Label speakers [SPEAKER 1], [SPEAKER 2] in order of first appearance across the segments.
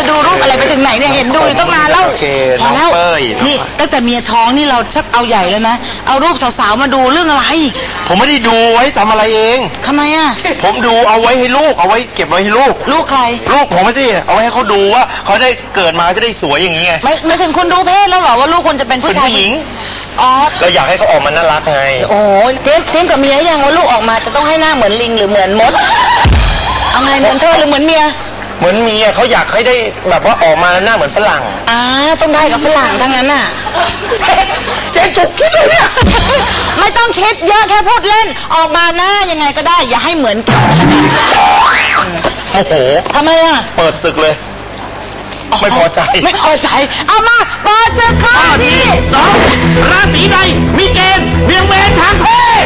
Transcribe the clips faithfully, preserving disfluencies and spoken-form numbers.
[SPEAKER 1] ดูรูปอะไรไปถึงไหนเนี่ยเห็นดูอยู่ตั้งนานแล้วพอแล้วนี่ตั้งแต่เมียท้องนี่เราชักเอาใหญ่แล้วนะเอารูปสาวๆมาดูเรื่องอะไร
[SPEAKER 2] ผมไม่ได้ดูไว้ทำอะไรเอง
[SPEAKER 1] ทำไมอ่ะ
[SPEAKER 2] ผมดูเอาไว้ให้ลูกเอาไว้เก็บไว้ให้ลูก
[SPEAKER 1] ลูกใคร
[SPEAKER 2] ลูกผมไม่ใช่เอาไว้ให้เขาดูว่าเขาได้เกิดมาจะได้สวยอย่างนี้ไง
[SPEAKER 1] ไม่ไม่ถึงคุณรู้เพศแล้วเหรอว่าลูกคุณจะเป็นผู้ชาย
[SPEAKER 2] ผู้หญิง
[SPEAKER 1] อ๋อ
[SPEAKER 2] เราอยากให้เขาออกมาน่ารักไง
[SPEAKER 1] โอ้เจ๊เจ๊กับเมียยังว่าลูกออกมาจะต้องให้หน้าเหมือนลิงหรือเหมือนมดเอาไงเหมือนเธอหรือเหมือนเมีย
[SPEAKER 2] เหมือนเมียเขาอยากให้ได้แบบว่าออกมาหน้าเหมือนฝรั่ง
[SPEAKER 1] อ่าต้องได้กับฝรั่งทั้งนั้นน่ะ
[SPEAKER 2] เจ๊จุกคิดเลยเนี่ย
[SPEAKER 1] ไม่ต้องคิดเยอะแค่พูดเล่นออกมาหน้ายังไงก็ได้อย่าให้เหมือน
[SPEAKER 2] โอ้โห
[SPEAKER 1] ทำไมอ่ะ
[SPEAKER 2] เปิดศึกเลยไม่พอใจ
[SPEAKER 1] ไม่พอใจเอามาเปิดศึกข้อที่
[SPEAKER 2] สองราศีใดมีเกณฑ์เบี่ยงเบนทางเพศ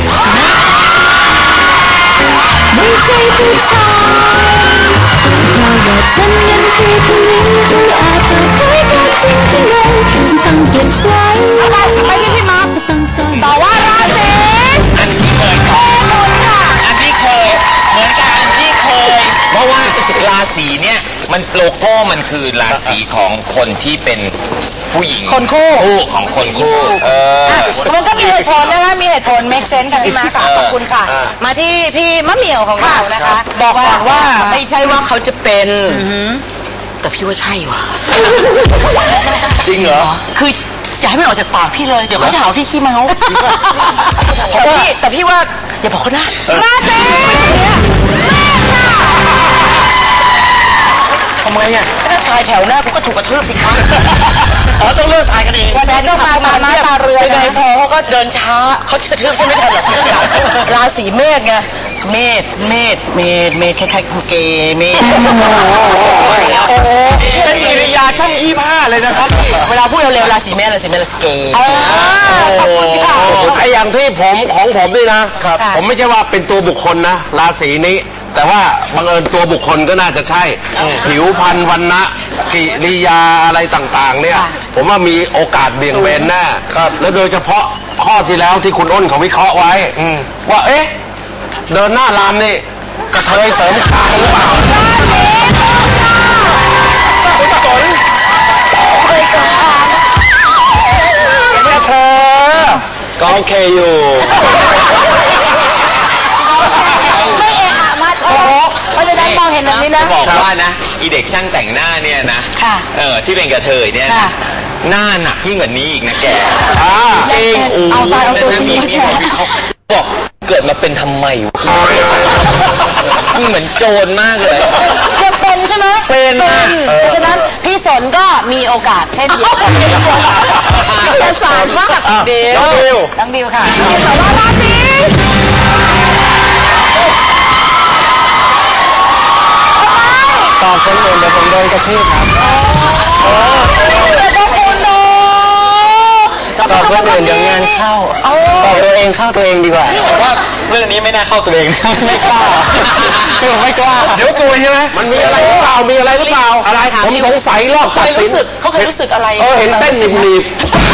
[SPEAKER 3] ไม่ใช่ผู้ชายเราอยากฉันนั้นคือผู้หญิงที่อาจเปิดเผยความจริงข้างในฉันต้องเก็บไว้
[SPEAKER 1] ไปไปที่พี่มาร์คต่อว่าราศี
[SPEAKER 4] อันที่เคยอันที่เคยเหมือนกับอันที่เคยเพราะว่าราศีเนี่ยมันโลโก้มันคือราศีของคนที่เป็นผู้หญิง
[SPEAKER 1] คนคู่
[SPEAKER 4] ของคนคู่เออ
[SPEAKER 1] มันก็มีเหตุผลนะคะมีเหตุผล make sense ค่ะพี่มาค่ะขอบคุณค่ะมาที่พี่มะเหมี่ยวของเรานะคะ
[SPEAKER 5] บอกก่อนว่าไม่ใช่ว่าเขาจะเป็น
[SPEAKER 1] แต่พี่ว่าใช่ว่ะ
[SPEAKER 2] จริงเหรอ
[SPEAKER 1] คืออย่าให้มันออกจากปากพี่เลยเดี๋ยวเขาจะหาพี่ขี้เมาแต่พี่แต่พี่ว่าอย่าบอกเขานะราศี
[SPEAKER 2] ทำไมอ่ะ
[SPEAKER 1] ถ้าชายแถวหน้ากูก็ถูกกระทืบสิคะ
[SPEAKER 2] อ๋อต้องเลิกทายกันเอง
[SPEAKER 1] วันนั้นต้องมามาตาเรือ
[SPEAKER 5] ไงพอเขาก็เดินช้าเขาจะทืบใช่ไหมทันหรอก
[SPEAKER 1] ราศีเมษไง
[SPEAKER 5] เมษเมษเมษเมษคล้ายๆเกย์เมษ
[SPEAKER 2] โอ้โหเป็นกิริยาช่างอี้ผ้าเลยนะครับ
[SPEAKER 5] เวลาพูดเร็วๆราศีเมษราศีเมษราศีเกย์
[SPEAKER 2] ไอ้อย่างที่ผมของผมนี่นะผมไม่ใช่ว่าเป็นตัวบุคคลนะราศีนี้แต่ว่าบังเอิญตัวบุคคลก็น่าจะใช่ผิวพรรณวรรณะกิริยาอะไรต่างๆเนี่ยผมว่ามีโอกาสเบี่ยงเบนแน่แล้วโดยเฉพาะข้อที่แล้วที่คุณอ้นเขาวิเคราะห์ไว้ว่าเอ๊ะเดินหน้ารามนี่กระเทยเสริมคางหรือเปล่าคุณสนแม่เธอก็โอเคอยู่
[SPEAKER 1] เพราะฉะนั้นมองเห็นแบบนี้นะ
[SPEAKER 4] บอกว่านะอีเด็กช่างแต่งหน้าเนี่ยนะเออที่เป็นกระเทยเนี่ยหน้าหนักยิ่งกว่านี้อีกนะแก
[SPEAKER 1] จริงเอาตายเอาตัวจริงไม่ใช่
[SPEAKER 4] เขาบอกเกิดมาเป็นทำไมนี่เหมือนโจรมากเลย
[SPEAKER 1] จะเป็นใช่ไหม
[SPEAKER 4] เป็น
[SPEAKER 1] เพราะฉะนั้นพี่สนก็มีโอกาสเช่นเดียวกันจะสารมาก
[SPEAKER 2] เดียว
[SPEAKER 1] น้องดิวค่ะแต่ว่าราศี
[SPEAKER 2] ตอบคนอื่นเดี๋ยวผมโดนกระทืบครับตอบคนอื่นเดี๋ยวงานเข้าตอบตัวเองเข้าตัวเองดีกว่า
[SPEAKER 4] ผมว่าเรื่องนี้ไม่น่าเข้าตัวเอง
[SPEAKER 2] ไม่กล้าคือผมไม่กล้าเดี๋ยวกลัวใช่ไหมมันมีอะไรหรือเปล่ามีอะไรหรือเปล่าอะไรผมสงสัยรอบตัดสิน
[SPEAKER 1] เขาเคยรู้สึกอะไร
[SPEAKER 2] เออเห็นเต้นหนีบหนีบ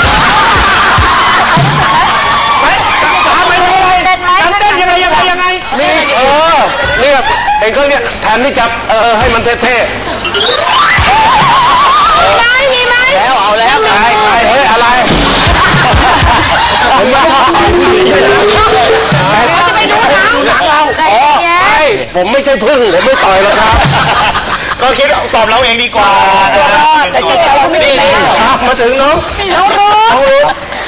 [SPEAKER 2] เต้นยังไงยังไงยังไงนี่เออเนี่ยเห็นเขาเนี่ยแทนที่จะเออให้มันเท่ๆ
[SPEAKER 1] มีไหม
[SPEAKER 2] แล้วเอาแล้วใครใครเฮ้ยอะไรผมว่า
[SPEAKER 1] จะไปดูหนัง
[SPEAKER 2] หนังเราอ๋อผมไม่ใช่พึ่งผมไม่ต่อยแล้วครับก็คิดตอบเราเองดีกว่า
[SPEAKER 1] แต่ใจเขาไม่ดี
[SPEAKER 2] มาถึงน้อง
[SPEAKER 1] น้องรู้น้องรู้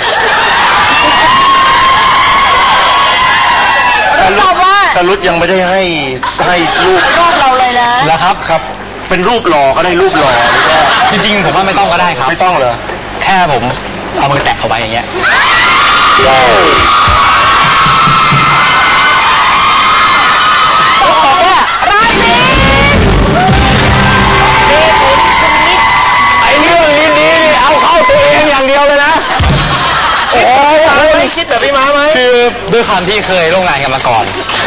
[SPEAKER 1] ตอบว่า
[SPEAKER 2] ตาลุดยังไม่ได้ให้ให้รูป
[SPEAKER 1] รูปเราเลยนะ
[SPEAKER 2] แล้วครับครับเป็นรูปหล่อก็ได้รูปหล่อ
[SPEAKER 4] จริงๆผมว่าไม่ต้องก็ได้ครับ
[SPEAKER 2] ไม่ต้องเหรอ
[SPEAKER 4] แค่ผมเอามือแตะเอาไว้อย่างเงี้ย
[SPEAKER 1] ตอบว่าราศี
[SPEAKER 2] ไอ้เรื่องนี้นี่เอาเข้าตัวเองอย่างเดียวเลยนะโอ้ยไม่คิดแบบพี่ม้าไหม
[SPEAKER 4] คือด้วยความที่เคยร่วมงานกันมาก่อน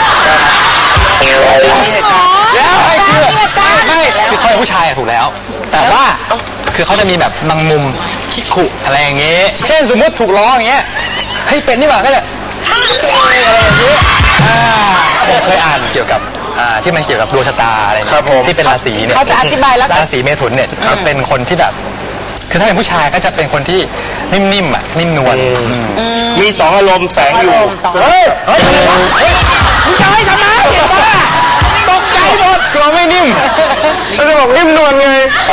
[SPEAKER 2] แล้วไอ้คือ
[SPEAKER 4] ไม่คือเขาเป็นผู้ชายถูกแล้วแต่ว่าคือเขาจะมีแบบบางมุมขี้ขุอะไรอย่างเงี้ยเช่นสมมติถูกล้ออย่างเงี้ยเฮ้ยเป็นนี่หว่าก็จะอะไรอย่างเงี้ยผมเคยอ่านเกี่ยวกับ
[SPEAKER 6] อ่าที่มันเกี่ยวกับดวงชะตาอะไรเนี่ย
[SPEAKER 2] ครับผม
[SPEAKER 6] ที่เป็นราศีเนี่ย
[SPEAKER 1] เขาจะอธิบายแล้ว
[SPEAKER 6] ราศีเมถุนเนี่ยจะเป็นคนที่แบบ คือถ้าเป็นผู้ชายก็จะเป็นคนที่นิ่มๆอ่ะนิ่มนวลอืม
[SPEAKER 2] มีสองอารมณ์แสงอยู่
[SPEAKER 1] เฮ้ย
[SPEAKER 2] เฮ้ย
[SPEAKER 1] เฮ้ยมึงจะให้ทำไมเห็นปะตกใจหมด
[SPEAKER 6] กลัวไม่นิ่ม
[SPEAKER 2] เราจะบอกนิ่มนวลไง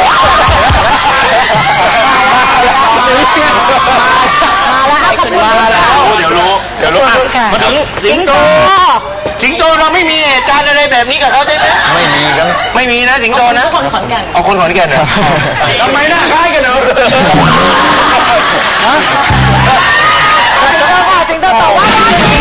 [SPEAKER 1] มาแล้ว
[SPEAKER 2] เดี๋ยวรู้เดี๋ยวรู้อ่ะมาถึงสิงโตสิงโตเราไม่มีเหตุการณ์อะไรแบบนี้กับเขาใช่ไหม
[SPEAKER 6] ไม่มีครับ
[SPEAKER 2] ไม่มีนะสิงโตนะคนขอนแก่นเอาคนขอนแก่นเหรอทำไมหน้าคล้ายกันเหรอ
[SPEAKER 1] สิงโตตอบว่าราศี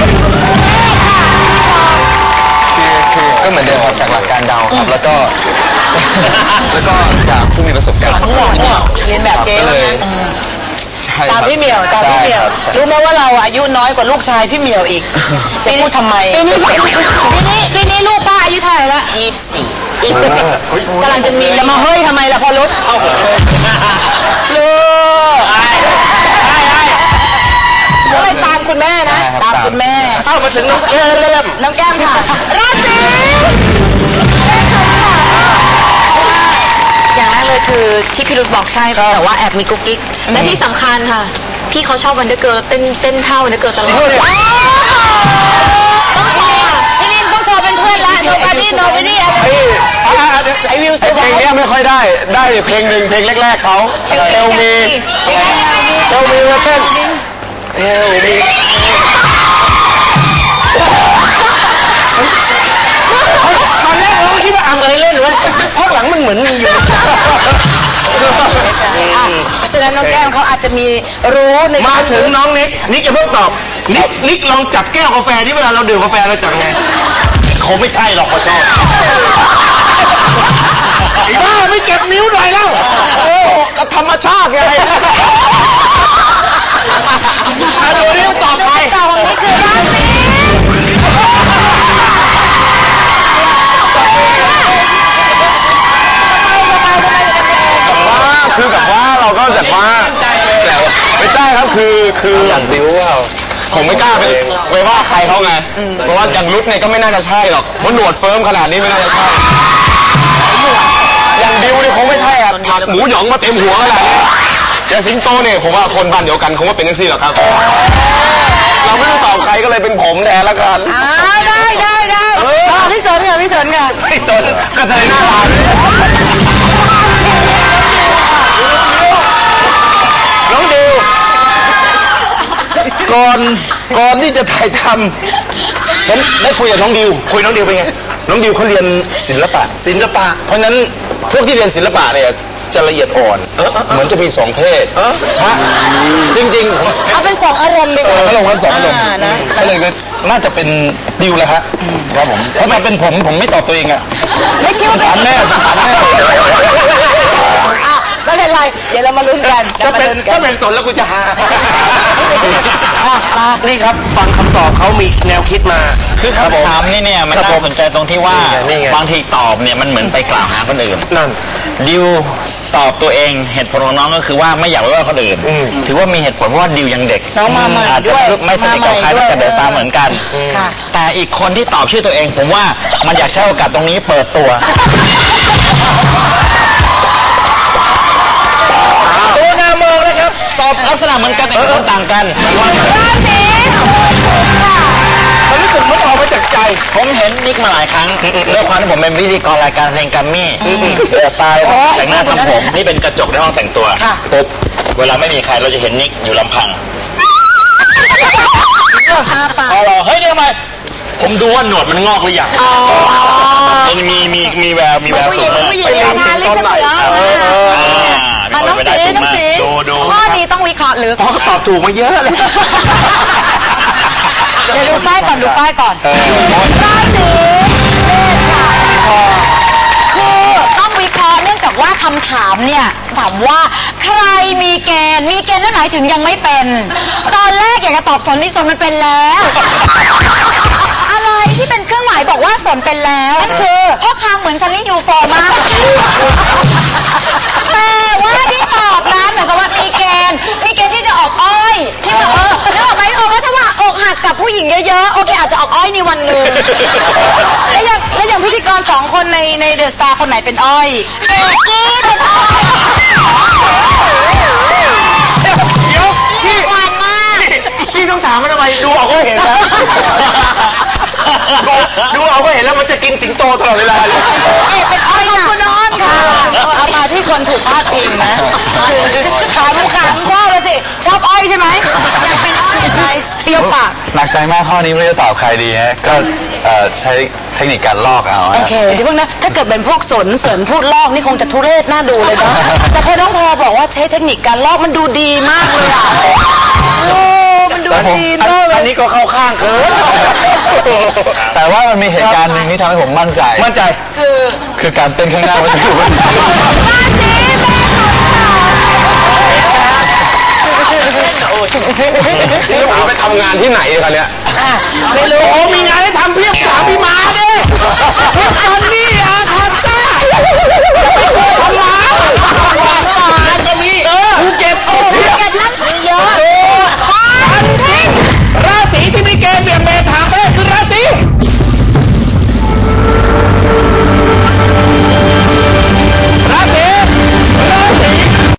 [SPEAKER 6] คือคือก็เหมือนเดิมครับจากหลักการเดาครับ แล้วก็ แล้วก็จากผู้มีประสบการณ์
[SPEAKER 1] เรียนแบบเจ๊
[SPEAKER 6] ก็
[SPEAKER 1] เล
[SPEAKER 6] เลย
[SPEAKER 1] ย
[SPEAKER 6] ใช่ครับ
[SPEAKER 1] ตามพี่เหมียวตามพี่เหมียว
[SPEAKER 6] ใช่ครับ
[SPEAKER 1] รู้ไหมว่าเราอายุน้อยกว่าลูกชายพี่เหมียวอีกจะพูดทำไมปีนี้ปีนี้ปีนี้ลูกป้าอายุเท่าไหร่ละยี่สิบสี่กำลังจะมีจะมาเฮ้ยทำไมล่ะพอรถเอาลูกก็เลยตามคุณแม่นะ ตามคุณแม่
[SPEAKER 2] เข้ามาถึงน้องแก้ม
[SPEAKER 1] น้องแก้มค่ะราศีอย่างแรกเลยคือที่พี่รุธบอกใช่แต่ว่าแอบมีกุ๊กกิ๊กและที่สำคัญค่ะ พี่เขาชอบวันเดอร์เกิร์ลเต้นเต้นเท่าวันเดอร์เกิร์ลตลอดต้องโชว์อ่ะพี่ลินต้องโชว์เป็นเพื่อนละ nobody nobody
[SPEAKER 2] ไอวิวเพลงนี้ไม่ค่อยได้ ได้เพลงหนึ่งเพลงแรกๆเขาเอลมีเอลมีมาเต้นเอลมีตอนแรกเราคิดว่าอ่ำอะไรเล่นเว้ยพักหลังมันเหมือนมีอยู่
[SPEAKER 1] เพราะฉะนั้นน้องแก้มเขาอาจจะมีรู้ใน
[SPEAKER 2] มาถึงน้องนิกนิกอย่าเพิ่งตอบนิกนิกลองจับแก้วกาแฟที่เวลาเราดื่มกาแฟเราจับไงเขาไม่ใช่หรอกพ่อเจ้าไอ้บ้าไม่เก็บนิ้วหน่อยแล้วโอ้ก็ธรรมชาติไงอ่ะดูนี่ตอบใคร
[SPEAKER 1] ต่อของนี้คือราศี
[SPEAKER 2] คือแบบว่าเราก็แบบว่าแต่ไม่ใช่ครับคือคืออย่างดิวว่าผมไม่กล้าไปไปว่าใครเขาไงเพราะว่าอย่างรุดเนี่ยก็ไม่น่าจะใช่หรอกเพราะหนวดเฟิร์มขนาดนี้ไม่น่าจะใช่อย่างดิวเนี่ยคงไม่ใช่อ่ะถักหมูหยองมาเต็มหัวขนาดนี้อย่างสิงโตเนี่ยผมว่าคนบ้านเดียวกันคงว่าเป็นจังซี่หรอกครับเราไม่ต้องตอบใครก็เลยเป็นผมแทนละกัน
[SPEAKER 1] อ่าได้ได้ได้อ่าพี่สนค่ะพี่สนค่ะ
[SPEAKER 2] ไม่สนก็จะได้หน้าตาน้องดิวก่อนก่อนที่จะถ่ายทำผมได้คุยกับน้องดิวคุยน้องดิวเป็นไงน้องดิวเขาเรียนศิลปะศิลปะ เพราะฉะนั้นพวกที่เรียนศิลปะเนี่ยจะละเอียดอ่อนเหมือนจะมีสองเพศฮะจริงๆ
[SPEAKER 1] เอาเป็นสองอารมณ์ดีกว่า
[SPEAKER 2] อารมณ์ครับสองอารมณ์
[SPEAKER 1] นะ
[SPEAKER 2] ก็เลยก็น่าจะเป็นดิวแหละฮะครับผมถ้ามาเป็นผมผมไม่ตอบตัวเองอะ
[SPEAKER 1] ไม่คิดว่า
[SPEAKER 2] ถามแม่ถามแม่
[SPEAKER 1] อ่ะไม่เป็นไรเดี๋ยวเรามาลุ้นกัน
[SPEAKER 2] ถ้าเป็น
[SPEAKER 1] ดี๋ยว
[SPEAKER 2] ถ้า
[SPEAKER 1] มา
[SPEAKER 2] เป็
[SPEAKER 1] ลุ้
[SPEAKER 2] นสนแล้วกูจะหา
[SPEAKER 1] อ่ะมา
[SPEAKER 2] นี่ครับฟังคำตอบเขามีแนวคิดมา
[SPEAKER 4] คือคำถามนี่เนี่ยมัน
[SPEAKER 2] ครับผ
[SPEAKER 4] น่าม สนใจตรงที่ว่า
[SPEAKER 2] นี่ไง
[SPEAKER 4] บางทีตอบเนี่ยมันเหมือนไปกล่าวหาคนอื่น
[SPEAKER 2] นั่น
[SPEAKER 4] ดิวตอบตัวเองเหตุผลของน้องก็คือว่าไม่อยากไปว่าคนอื่น
[SPEAKER 2] อืม
[SPEAKER 4] ถือว่ามีเหตุผลเพราะว่าดิวยังเด็ก
[SPEAKER 1] น้องมาใหม่
[SPEAKER 4] อาจจะ
[SPEAKER 1] ด้วย
[SPEAKER 4] ไม่สนิทกับใคร
[SPEAKER 1] มาใหม่
[SPEAKER 4] ไม่จะเดินตาม
[SPEAKER 1] ด้วย
[SPEAKER 4] เหมือนกัน
[SPEAKER 1] ค่ะ
[SPEAKER 4] แต่อีกคนที่ตอบชื่อตัวเอง ผมว่ามันอยากใช้โอกาสตรงนี้เปิดตัว
[SPEAKER 2] ตัวนามองนะครับ
[SPEAKER 4] ตอบลักษณะเหมือนกันแต่คนต่างกัน
[SPEAKER 1] ราศีค่ะ
[SPEAKER 2] เขารู้สึกมันออกมาจากใจ
[SPEAKER 4] ผมเห็นนิกมาหลายครั้งด้วยความที่ผมเป็นพิธีกรรายการเพลงแกัมมี่เปิดตาเลยแต่งหน้าทำผมนี่เป็นกระจกในห้องแต่งตัวปุ๊บเวลาไม่มีใครเราจะเห็นนิกอยู่ลำพัง
[SPEAKER 1] อาปาก
[SPEAKER 4] เอาเหรอเฮ้ยนี่ทำไมผมดูว่าหนวดมันงอกหรือยัง
[SPEAKER 1] อ๋อ
[SPEAKER 4] มันมีมีมีแววมีแวว
[SPEAKER 1] ผู้ห
[SPEAKER 4] สู
[SPEAKER 1] ญิ
[SPEAKER 4] ง
[SPEAKER 1] ง
[SPEAKER 4] มาก
[SPEAKER 1] ผู้หญิงเลยนะลิขสิทธิ์แล้ว
[SPEAKER 4] เออเออ
[SPEAKER 1] อ่ะน้องสีน้องสี
[SPEAKER 4] ดูดู
[SPEAKER 1] ข้อนี้ต้องวิเคราะห์หรือ
[SPEAKER 2] พอเขาตอบถูกมาเยอะเลย
[SPEAKER 1] เดี๋ยวดูป้ายก่อนดูป้ายก่อนราศีเมษค่ะคือต้องวิเคราะห์เนื่องจากว่าคำถามเนี่ยถามว่าใครมีเกณฑ์มีเกณฑ์นั่นหมายถึงยังไม่เป็น ตอนแรกอยากจะตอบสนนี่สนมันเป็นแล้ว อะไรที่เป็นเครื่องหมายบอกว่าสนเป็นแล้วนั่นคือพ่อคางเหมือนซันนี่ยูโฟมากแต่ว่าที่ตอบนะเหมือนกับว่ามีเกณฑ์มีเกณฑ์ที่จะออกอ้อยที่ว่าเออนึกออกไหมเออว่าถ้าว่าอกหักกับบผู้หญิงเยอะๆ โอเคอาจจะออกอ้อยในวันหนึ่ง แล้วอย่างแล้วอย่างพิธีกรสองคนในในเดอะสตาร์คนไหนเป็นอ้อยเอกกี้เป็นอ้อย
[SPEAKER 2] เดี๋ยวพี่
[SPEAKER 1] หวานมาก
[SPEAKER 2] พี่ต้องถามมันทำไมดูเอาก็เห็นแล้วดูเอาก็เห็นแล้วมันจะกินสิงโตตลอดเวลาเลย
[SPEAKER 1] เอกเป็นอ้อยค่ะคุณอ้อนค่ะ เอามาที่คนถูกพาดพิงนะขามขามชอบเลยสิ ชอบอ้อยใช่ไหมอยากเป็นอ้อยไหมเปรี้ยวปาก
[SPEAKER 6] หนักใจมากข้อนี้ไม่รู้จะตอบใครดีฮะก็เอ่อใช้เทคนิคการลอกเอา
[SPEAKER 1] โอ
[SPEAKER 6] ฮะ
[SPEAKER 1] เคเดี๋ยวเพิ่งนะ ถ้าเกิดเป็นพวกสนเสริญพูดลอกนี่คงจะทุเรศน่าดูเลยนะ แต่พอน้องพอบอกว่าใช้เทคนิคการลอกมันดูดีมากเลยอ่ะโอ้มันดูดีมากเลย
[SPEAKER 2] อันนี้ก็เข้าข้างเกิน
[SPEAKER 6] แต่ว่ามันมีเหตุการณ์หนึ่งที่ทำให้ผมมั่นใจ
[SPEAKER 2] มั่นใจ
[SPEAKER 1] คือ
[SPEAKER 6] คือการเต้นข้างหน้าเมื่อสักครู่
[SPEAKER 1] บ้านนี้แม่
[SPEAKER 2] นี่หมาไปทำงานที่ไหนกันเนี่ย
[SPEAKER 1] อ่ะไม่รู้
[SPEAKER 2] โอ้มีงานให้ทำเพียบถามพี่ม้าดิตอนนี้